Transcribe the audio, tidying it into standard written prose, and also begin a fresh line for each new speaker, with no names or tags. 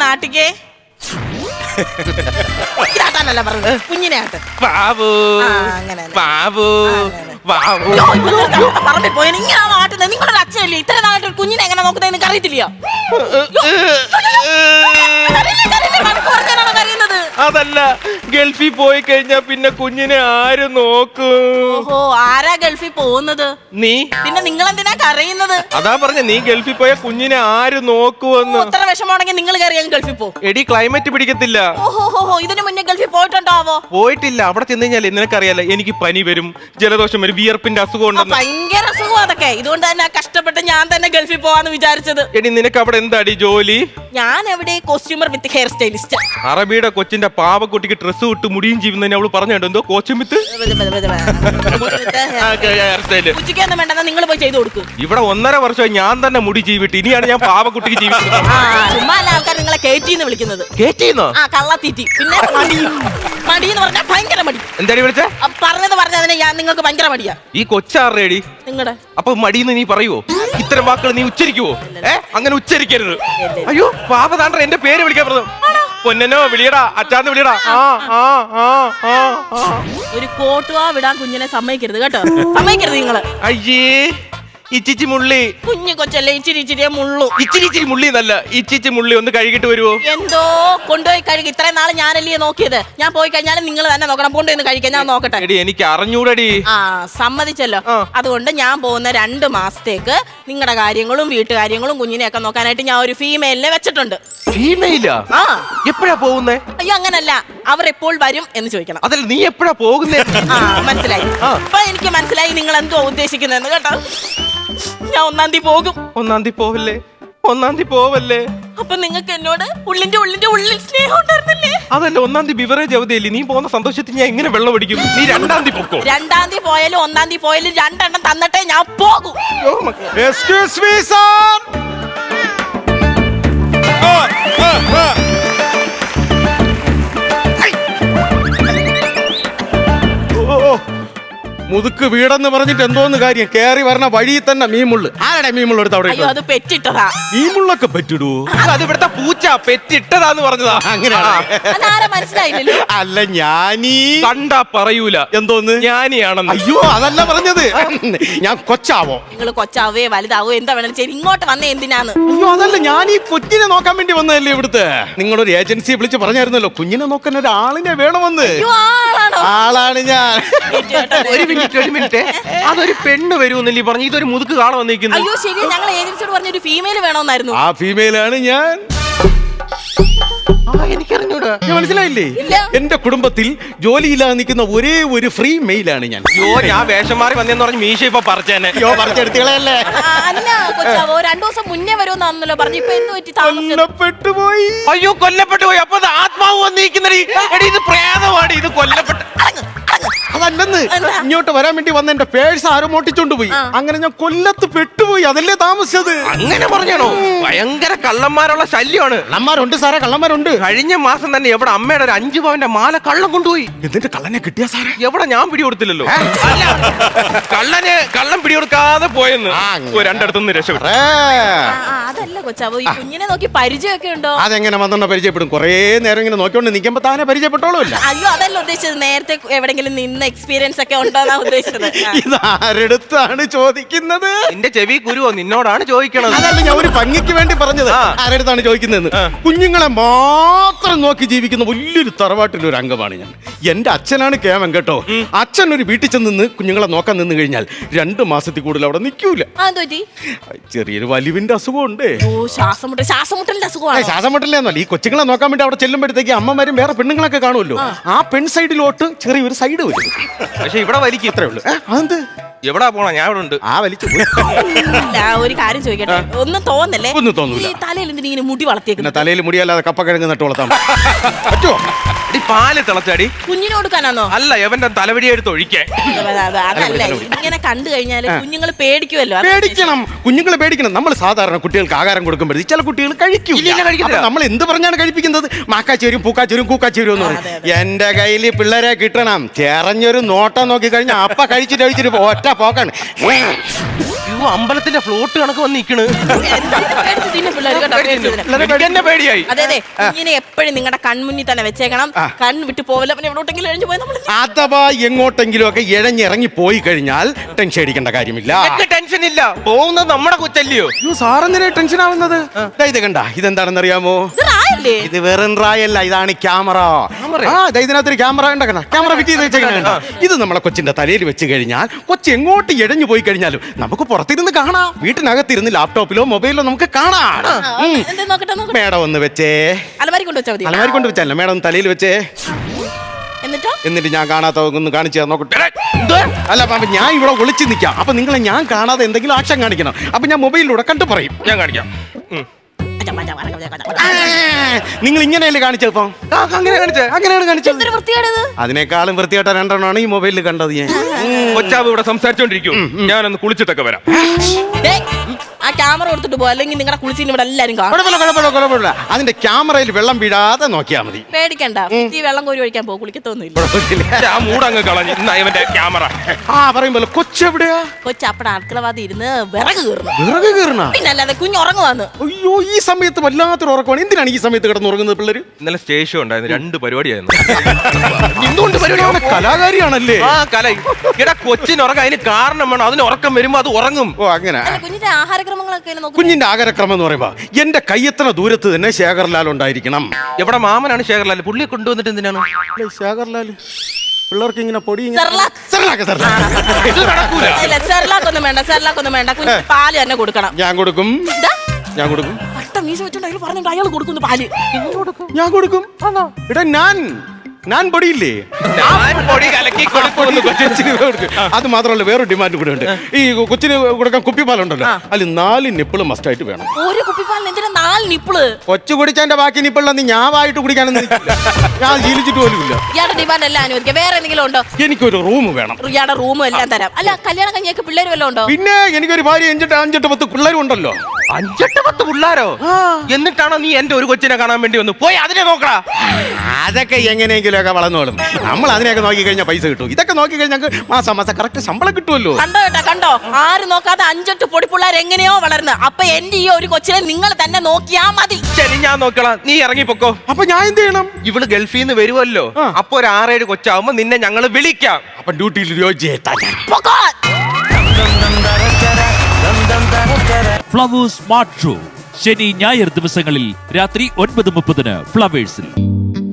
ആട്ടിക്കേ. ഇതാട്ടാനല്ല പറഞ്ഞത്, കുഞ്ഞിനെ ആട്ട്.
ബാബു
അങ്ങനെ
ബാബു ബാബു
പറമ്പിൽ പോയി ഇങ്ങനെയാണോ ആട്ടുന്നത്? നിങ്ങളുടെ അച്ഛനല്ലേ ഇത്ര നാളായിട്ട് ഒരു കുഞ്ഞിനെ എങ്ങനെ നോക്കുന്നത് നിങ്ങൾക്ക് അറിയത്തില്ലയോ?
അതല്ല, ഗൾഫിൽ പോയി കഴിഞ്ഞാ പിന്നെ കുഞ്ഞിനെ ആര് നോക്കും?
ഓഹോ, ആരാ ഗൾഫിൽ പോകുന്നത്?
നീ.
പിന്നെ നിങ്ങൾ എന്തിനാ കരയുന്നത്?
അതാ പറഞ്ഞ, നീ ഗൾഫിൽ പോയ കുഞ്ഞിനെ ആര് നോക്കുവെന്ന്.
ഇത്ര വിഷമമാണെങ്കിൽ നിങ്ങൾ കയറി ഗൾഫിൽ പോ.
എടി, ക്ലൈമറ്റ് പിടിക്കത്തില്ല.
ഓഹോ, ഇതിനു മുന്നേ ഗൾഫിൽ പോയിട്ടുണ്ടാവോ?
പോയിട്ടില്ല. അവിടെ ചെന്ന് കഴിഞ്ഞാൽ നിനക്കറിയാലോ, എനിക്ക് പനി വരും, ജലദോഷം വരും, വിയർപ്പിന്റെ അസുഖം ഉണ്ടെന്ന്.
ഭയങ്കര അസുഖം അതൊക്കെ. ഇതുകൊണ്ട് തന്നെ കഷ്ടപ്പെട്ട് ഞാൻ തന്നെ ഗൾഫിൽ പോവാന്ന് വിചാരിച്ചത്.
എടി, നിനക്ക് അവിടെ എന്താടി ജോലി?
ഞാൻ എവിടെ കോസ്റ്റ്യൂമർ വിത്ത് ഹെയർ സ്റ്റൈലിസ്റ്റ്.
അറബിയുടെ കൊച്ചിന്റെ പാവക്കുട്ടിക്ക് ഡ്രസ്സ് ഇട്ട് മുടിയും ചെയ്യുന്നതിന് അവള് പറഞ്ഞോ എന്തോ കോച്ചുമിത്ത്
ഉച്ചയ്ക്കൊന്നും വേണ്ടെന്നാ നിങ്ങൾ പോയി ചെയ്തു കൊടുക്കും.
ഇവിടെ 1.5 വർഷമായി ഞാൻ തന്നെ മുടി ജീവിട്ട്, ഇനിയാണ് ഞാൻ പാവക്കുട്ടിക്ക് ജീവിക്കുന്നത്.
ചുമ്മാ ആൾക്കാർ നിങ്ങളെ കേറ്റിന്ന് വിളിക്കുന്നത്.
കേറ്റിന്നോ?
ആ, കള്ളത്തീറ്റി. പിന്നെ മടി എന്ന് പറഞ്ഞാൽ ഭയങ്കര മടി.
എന്താടി വിളിച്ചേ?
പറഞ്ഞതിനെ ഞാൻ നിങ്ങൾക്ക് ഭയങ്കര മടിയാ.
ഈ കൊച്ചാറേടി
നിങ്ങളുടെ
അപ്പൊ മടിയെന്ന് നീ പറയുവോ? ഇത്തരം വാക്കുകൾ നീ ഉച്ചരിക്കുവോ? അങ്ങനെ ഉച്ചരിക്കരുത്. അയ്യോ, പാപതാണ്ട എന്റെ പേര് വിളിക്കാൻ പറഞ്ഞു. പൊന്നനോ വിളിയടാ, അച്ചാന്ന് വിളിയടാ.
ഒരു കോട്ടുവാ വിടാൻ കുഞ്ഞിനെ സമ്മതിക്കരുത് കേട്ടോ. സമ്മതിക്കരുത് നിങ്ങള്.
അയ്യേ, ഇച്ചിച്ചി മുള്ളി.
കുഞ്ഞു കൊച്ചല്ലേ, ഇച്ചിരി മുള്ളു.
ഇച്ചിരി മുള്ളി എന്നല്ല, ഇച്ചിച്ചി മുള്ളി. ഒന്ന് കഴുകിട്ട് വരുവോ?
എന്തോ കൊണ്ടുപോയി കഴുകി. ഇത്രയും നാള് ഞാനല്ലേ നോക്കിയത്. ഞാൻ പോയി കഴിഞ്ഞാലും നിങ്ങൾ തന്നെ നോക്കണം. കൊണ്ടുപോയി കഴിക്കാൻ ഞാൻ നോക്കട്ടെ.
എനിക്ക് അറിഞ്ഞൂടടി.
സമ്മതിച്ചല്ലോ. അതുകൊണ്ട് ഞാൻ പോകുന്ന 2 മാസത്തേക്ക് നിങ്ങളുടെ കാര്യങ്ങളും വീട്ടുകാര്യങ്ങളും കുഞ്ഞിനെയൊക്കെ നോക്കാനായിട്ട് ഞാൻ ഒരു ഫീമെയിലിനെ വെച്ചിട്ടുണ്ട്.
ഫീമെയിലാ? എപ്പോഴാ പോകുന്നേ?
അയ്യോ, അങ്ങനല്ല, അവർ എപ്പോൾ വരും എന്ന് ചോദിക്കണം.
അതല്ല, നീ എപ്പോഴാ പോകുന്നേ?
മനസ്സിലായി. അപ്പൊ എനിക്ക് മനസ്സിലായി നിങ്ങൾ എന്തോ ഉദ്ദേശിക്കുന്നതെന്ന് കേട്ടോ. ഞാൻ 1-ാം തീയതി പോകും.
1-ാം തീയതി പോവല്ലേ? 1-ാം തീയതി പോവല്ലേ?
അപ്പൊ നിങ്ങൾക്ക് എന്നോട് ഉള്ളിന്റെ ഉള്ളിൽ സ്നേഹം ഉണ്ടായിരുന്നില്ലേ?
അതല്ല, 1-ാം തീയതി ബിവറേജ് അവധിയല്ലേ? നീ പോകുന്ന സന്തോഷത്തിൽ ഞാൻ എങ്ങനെ വെള്ളം അടിക്കും? നീ 2-ാം തീയതി പൊക്കോ.
2-ാം തീയതി പോയാലും 1-ാം തീയതി പോയാലും 2 എണ്ണം തന്നിട്ടേ ഞാൻ പോകും.
Excuse me sir. മുതുക്ക് വീടെന്ന് പറഞ്ഞിട്ട് എന്തോന്ന് കാര്യം? കേറി വരണ വഴിയിൽ തന്നെ മീമുള്ളു. ആരുടെ മീമുള്ള എടുത്ത് അവിടെ?
അയ്യോ, അത് പെറ്റിട്ടതാ.
മീമുള്ളൊക്കെ പറ്റിടൂ.
അത് ഇവിടുത്തെ പൂച്ച പെറ്റിട്ടതാന്ന് പറഞ്ഞതാ.
അങ്ങനെ
മനസ്സിലായില്ലല്ലോ.
അല്ല, ഞാനീ
കണ്ടാ പറയൂല
എന്തോന്ന്
ഞാനിയാണെന്ന്.
അയ്യോ, അതല്ല പറഞ്ഞത്. ഞാൻ കൊച്ചാവോ?
നിങ്ങൾ കൊച്ചാവേ വലുതാവോ എന്താ വേണം ചെയ്ത് ഇങ്ങോട്ട് വന്നേ എന്തിനാന്ന്?
അയ്യോ, അതല്ല, ഞാൻ ഈ കൊച്ചിനെ നോക്കാൻ വേണ്ടി വന്നതല്ലേ ഇവിടുത്തെ. നിങ്ങളൊരു ഏജൻസിയെ വിളിച്ച് പറഞ്ഞായിരുന്നല്ലോ കുഞ്ഞിനെ നോക്കാൻ ഒരാളിനെ വേണമെന്ന്. ആളാണ് ഞാൻ.
ഒരു മിനിറ്റ്, അതൊരു പെണ്ണ് വരുമെന്നല്ലേ പറഞ്ഞു? ഇതൊരു മുതുക്ക് കാണാൻ വന്നിരിക്കുന്നു.
അയ്യോ ശരി, ഞങ്ങൾ ഏജൻസിയോട് പറഞ്ഞ ഒരു ഫീമെയിൽ വേണമെന്നായിരുന്നു.
ആ ഫീമെയിലാണ് ഞാൻ.
എനിക്കറിഞ്ഞൂടാ.
മനസ്സിലായില്ലേ? എന്റെ കുടുംബത്തിൽ ജോലിയില്ലാതെ നിൽക്കുന്ന ഒരേ ഒരു ഫ്രീ മെയിലാണ് ഞാൻ.
ഞാൻ വേഷം മാറി വന്നെന്ന് പറഞ്ഞ് മീശ ഇപ്പൊ പറിച്ചേനെ.
പറിച്ചെടുത്തുകളല്ലേ?
അല്ല കൊച്ചാവോ, 2 ദിവസം മുന്നേ വരുമെന്നാണല്ലോ പറഞ്ഞു. ഇപ്പൊ എന്ത് പറ്റി?
കൊല്ലപ്പെട്ടുപോയി.
അയ്യോ, കൊല്ലപ്പെട്ടു പോയി. അപ്പൊ ആത്മാവ് വന്നിരിക്കുന്നടി. എടി, ഇത് പ്രേതമാണ്. ഇത് കൊല്ലപ്പെട്ട
അതല്ലെന്ന്. ഇങ്ങോട്ട് വരാൻ വേണ്ടി വന്ന എന്റെ പേഴ്സ് ആരോ മോട്ടിച്ചോണ്ട് പോയി. അങ്ങനെ ഞാൻ കൊല്ലത്ത് പെട്ടുപോയി. അതല്ലേ താമസിച്ചത്.
അങ്ങനെ പറഞ്ഞാണോ? ഭയങ്കര കള്ളന്മാരുള്ള ശല്യമാണ്.
കള്ളന്മാരുണ്ട് സാറേ, കള്ളന്മാരുണ്ട്.
കഴിഞ്ഞ മാസം തന്നെ എവിടെ അമ്മയുടെ ഒരു 5 പവന്റെ മാല കള്ളം കൊണ്ടുപോയി.
എന്നിട്ട് കള്ളനെ കിട്ടിയ സാറേ?
എവിടെ? ഞാൻ പിടികൊടുത്തില്ലല്ലോ. അല്ല, കള്ളം പിടികൊടുക്കാതെ പോയെന്ന് 2 രക്ഷപ്പെട്ടു.
അതല്ല കൊച്ചാവോ, ഈ കുഞ്ഞിനെ നോക്കി പരിചയമൊക്കെ ഉണ്ടോ?
അതെങ്ങനെ വന്നെണ്ണ പരിചയപ്പെടും? കൊറേ നേരം ഇങ്ങനെ നോക്കിക്കൊണ്ട് നിൽക്കുമ്പോ താനെ പരിചയപ്പെട്ടോളൂല്ല.
അയ്യോ, അതല്ല ഉദ്ദേശിച്ചത്. നേരത്തെ എവിടെങ്കിലും നിന്ന് എക്സ്പീരിയൻസ് ഒക്കെ ഉണ്ടോന്നാ ഉദ്ദേശിച്ചത്.
ഇതാരടുത്താണ് ചോദിക്കുന്നത്?
നിന്റെ ചെവി കുരുവോ? നിന്നോടാണ് ചോദിക്കണത്.
അതല്ല, ഞാൻ ഒരു ഭംഗിക്ക് വേണ്ടി പറഞ്ഞത്. ആരടുത്താണ് ചോദിക്കുന്നതെന്ന്. കുഞ്ഞുങ്ങളെ മാത്രം നോക്കി ജീവിക്കുന്ന വലിയൊരു തറവാട്ടിലെ ഒരു അംഗമാണ് ഞാൻ. എന്റെ അച്ഛനാണ് കേമൻ കേട്ടോ. അച്ഛൻ ഒരു വീട്ടിൽ ചെന്ന് കുഞ്ഞുങ്ങളെ നോക്കാൻ നിന്ന് കഴിഞ്ഞാൽ 2 മാസത്തിൽ കൂടുതൽ അവിടെ നിൽക്കൂല. ചെറിയൊരു വലിവിന്റെ അസുഖമുണ്ട്.
ശ്വാസമുട്ടലിന്റെ അസുഖമാണ്.
ശ്വാസമുട്ടലെന്നല്ല, ഈ കൊച്ചുങ്ങളെ നോക്കാൻ വേണ്ടി അവിടെ ചെല്ലുമ്പോഴത്തേക്ക് അമ്മമാരും വേറെ പെണ്ണുങ്ങളൊക്കെ കാണുമല്ലോ. ആ പെൺ സൈഡിലോട്ട് ചെറിയൊരു സൈഡ് വരും.
പക്ഷെ ഇവിടെ വലിക്കും.
ഇത്രേ ഉള്ളൂ. അതെന്ത്?
എവിടാ പോണ? ഞാൻ ഇവിടെ ഉണ്ട്.
വലിച്ചു.
ഒരു കാര്യം ചോദിക്കട്ടെ, ഒന്നും തോന്നല്ലേ?
ഒന്നും തോന്നൂല.
തലയിൽ എന്തിനെ മുടി വളർത്തിയേക്കുന്നത്?
തലയിൽ മുടിയല്ലാതെ കപ്പക്കിഴങ്ങ് നട്ട് വളർത്താൻ പറ്റുമോ?
പാല് തിളച്ചാടി
കുഞ്ഞിന് കൊടുക്കാനാണോ?
അല്ല, എവന്റെ തലവടി എടുത്ത് ഒഴിക്കേ.
അതല്ല, ഇങ്ങനെ കണ്ടു കഴിഞ്ഞാല് കുഞ്ഞുങ്ങൾ പേടിക്കുമല്ലോ.
പേടിക്കണം, കുഞ്ഞുങ്ങൾ പേടിക്കണം. നമ്മൾ സാധാരണ കുട്ടികൾക്ക് ആഹാരം കൊടുക്കുമ്പോഴേ ചില കുട്ടികൾ കഴിക്കും. നമ്മൾ എന്ത് പറഞ്ഞാണ് കഴിപ്പിക്കുന്നത്? മാക്കാച്ചേരും പൂക്കാച്ചേരും കൂക്കാച്ചേരും എന്ന് പറയും. എന്റെ കയ്യിൽ പിള്ളേരെ കിട്ടണം. ചെറഞ്ഞൊരു നോട്ടം നോക്കി കഴിഞ്ഞാൽ അപ്പ കഴിച്ചിട്ട് ഒറ്റ പോക്കാണ്.
അമ്പലത്തിന്റെ ഫ്ലോട്ട് കണക്ക് വന്ന് നിക്കണ്.
പേടിച്ചിന് പിള്ളേര് കേട്ടോ, പേടിച്ചതിന്.
എനിക്ക് എന്നെ പേടിയായി.
അതെ അതെ, ഇങ്ങനെ എപ്പോഴും നിങ്ങളുടെ കൺമുന്നിൽ തന്നെ വെച്ചേക്കണം. കണ്ണ് വിട്ട് പോവില്ല. പിന്നെ എവിടോട്ടെങ്കിലും എഴുതി പോയി നമ്മൾ
അഥവാ എങ്ങോട്ടെങ്കിലും ഒക്കെ ഇഴഞ്ഞിറങ്ങി പോയി കഴിഞ്ഞാൽ ടെൻഷൻ അടിക്കേണ്ട കാര്യമില്ല.
എനിക്ക് ടെൻഷൻ ഇല്ല, പോകുന്നത് നമ്മുടെ കൊച്ചല്ലയോ.
സാറെന്തിനാ ടെൻഷൻ ആവുന്നത്? ഇത് കണ്ട, ഇതെന്താണെന്ന് അറിയാമോ? ഇത് വെറും റായല്ല, ഇതാണ് ക്യാമറ. ഇതിനകത്തൊരു ക്യാമറ ഉണ്ടാക്കണം, ക്യാമറ ഫിറ്റ് ചെയ്ത് വെച്ചേക്കണ. ഇത് നമ്മളെ കൊച്ചിന്റെ തലയിൽ വെച്ച് കഴിഞ്ഞാൽ കൊച്ചി എങ്ങോട്ട് ഇഴഞ്ഞു പോയി കഴിഞ്ഞാലും നമുക്ക് പുറത്തിരുന്ന് കാണാം. വീട്ടിനകത്തിരുന്ന് ലാപ്ടോപ്പിലോ മൊബൈലിലോ നമുക്ക് കാണാം. മേഡം ഒന്ന് വെച്ചേ,
അലമാരി കൊണ്ട് വെച്ചാൽ മതി.
അലമാരി കൊണ്ട് വെച്ചല്ല, മേഡം ഒന്ന് തലയിൽ വെച്ചേ. എന്നിട്ട് ഞാൻ കാണാത്ത ഒന്ന് കാണിച്ചു നോക്കട്ടെ. അല്ല അപ്പൊ ഞാൻ ഇവിടെ ഒളിച്ചു നിൽക്കാം. അപ്പൊ നിങ്ങളെ ഞാൻ കാണാതെ എന്തെങ്കിലും ആക്ഷൻ കാണിക്കണം. അപ്പൊ ഞാൻ മൊബൈലിലൂടെ കണ്ടു പറയും.
ഞാൻ കാണിക്കാം.
നിങ്ങൾ ഇങ്ങനെയല്ലേ കാണിച്ചപ്പോ? അങ്ങനെയാണ് കാണിച്ചത്. അതിനേക്കാളും വൃത്തിയായിട്ട രണ്ടെണ്ണമാണ് ഈ മൊബൈലിൽ കണ്ടത്. ഞാൻ
കൊച്ചാവ് ഇവിടെ സംസാരിച്ചോണ്ടിരിക്കും, ഞാനൊന്ന് കുളിച്ചിട്ടൊക്കെ വരാം.
ആ ക്യാമറ കൊടുത്തിട്ട് പോ, അല്ലെങ്കിൽ നിങ്ങളുടെ കുളിച്ചിന് ഇവിടെ എല്ലാരും കാണും.
കുഴപ്പമില്ല. അതിന്റെ ക്യാമറയിൽ വെള്ളം വീഴാതെ നോക്കിയാൽ മതി.
പേടിക്കണ്ട, ഈ വെള്ളം കോരി ഒഴിക്കാൻ പോകും, കുളിക്കത്തൊന്നുമില്ല.
ആ മൂടങ്ങ് കളഞ്ഞു ഇവന്റെ ക്യാമറ.
പറയുമ്പോ കൊച്ചെവിടെയാ?
കൊച്ചപ്പടെ അടുക്കളവാതി ഇരുന്ന് വിറക്
കീറണ.
പിന്നെ അല്ലാതെ കുഞ്ഞുറങ്ങുവാന്ന്.
അയ്യോ, ഈ സമയത്ത് വല്ലാത്തൊരു ഉറക്കമാണ്. എന്തിനാണ് ഈ സമയത്ത് കിടന്ന് ഉറങ്ങുന്നത് പിള്ളേര്?
ഇന്നലെ സ്റ്റേഷൻ ഉണ്ടായിരുന്നു, 2 പരിപാടിയായിരുന്നു.
എന്തുകൊണ്ട് പരിപാടി? കലാകാരിയാണല്ലേ?
ആ കല. എടാ കൊച്ചിന് ഉറക്കം, അതിന് കാരണം വേണം. അതിന് ഉറക്കം വരുമ്പോ അത് ഉറങ്ങും.
ഓ അങ്ങനെ.
കുഞ്ഞിന്റെ ആഹാരക്രമങ്ങളൊക്കെ
കുഞ്ഞിന്റെ ആഹാരക്രമം എന്ന് പറയുമ്പോ എന്റെ കയ്യെത്തണ ദൂരത്ത് തന്നെ ശേഖർലാൽ ഉണ്ടായിരിക്കണം.
എവിടെ മാമനാണ് ശേഖർലാൽ? പുള്ളിയെ കൊണ്ടുവന്നിട്ട് എന്തിനാണ്
ശേഖർലാൽ? പിള്ളേർക്ക് ഇങ്ങനെ പൊടി
സെർലാക്കൊന്നും വേണ്ട, സെർലാക്കൊന്നും വേണ്ട. കുഞ്ഞ് പാല് തന്നെ കൊടുക്കണം.
ഞാൻ കൊടുക്കും.
അയാൾ കൊടുക്കുന്നു പാല്.
ഞാൻ കൊടുക്കും. എടാ ഞാൻ പൊടിയില്ലേ,
പൊടി കലക്കി
അത് മാത്രമല്ല വേറൊരു ഡിമാൻഡ് കൂടെ ഉണ്ട്. ഈ കൊച്ചിന് കൊടുക്കാൻ കുപ്പിപ്പാലുണ്ടല്ലോ, അതിൽ 4 നിപ്പിള് മസ്റ്റായിട്ട് വേണം.
ഒരു കുപ്പിപ്പാലിന് എന്തിനാ 4 നിപ്പിള്?
കൊച്ചു കുടിച്ചതിന്റെ ബാക്കി നിപ്പിളൊന്നും ഞാൻ വായിട്ട് കുടിക്കാനൊന്നും ഞാൻ ശീലിച്ചിട്ട് പോലുമില്ല.
ഇയാളുടെ ഡിമാൻഡ് എല്ലാം അനുവദിക്കാം. വേറെ എന്തെങ്കിലും ഉണ്ടോ?
എനിക്കൊരു റൂം വേണം.
ഇയാളുടെ റൂമും എല്ലാം തരാം. അല്ല, കല്യാണം കഴിഞ്ഞൊക്കെ പിള്ളേര് വല്ലതും ഉണ്ടോ?
പിന്നെ എനിക്കൊരു ഭാര്യ 5-10 പിള്ളേരും ഉണ്ടല്ലോ.
5-10 പിള്ളേരോ? എന്നിട്ടാണോ നീ എന്റെ ഒരു കൊച്ചിനെ കാണാൻ വേണ്ടി വന്നു? പോയി അതിനെ നോക്കടാ.
അതൊക്കെ എങ്ങനെയെങ്കിലും ഒക്കെ വളർന്നോളും. നമ്മൾ അതിനെയൊക്കെ നോക്കി കഴിഞ്ഞാൽ പൈസ കിട്ടും. ഇതൊക്കെ നോക്കി കഴിഞ്ഞാൽ മാസം കറക്റ്റ് ശമ്പളം കിട്ടുമല്ലോ.
കണ്ടോ, ആരും നോക്കാതെ 5-8 പൊടിപ്പിള്ളേർ എങ്ങനെയോ വളർന്ന്. അപ്പൊ എന്റെ ഈ ഒരു കൊച്ചിനെ നിങ്ങൾ തന്നെ നോക്കിയാ മതി.
ശരി, ഞാൻ നോക്കണം. നീ ഇറങ്ങിപ്പോക്കോ.
അപ്പൊ ഞാൻ എന്ത് ചെയ്യണം?
ഇവള് ഗൾഫിൽ നിന്ന് വരുമല്ലോ, അപ്പൊ ഒരു 6-7 കൊച്ചാവുമ്പോ നിന്നെ ഞങ്ങൾ വിളിക്കാം.
അപ്പൊ ഡ്യൂട്ടിയിൽ
ഫ്ലവേഴ്സ് സ്മാർട്ട് ഷോ ശനി ഞായർ ദിവസങ്ങളിൽ രാത്രി 9:30 ഫ്ലവേഴ്സിൽ.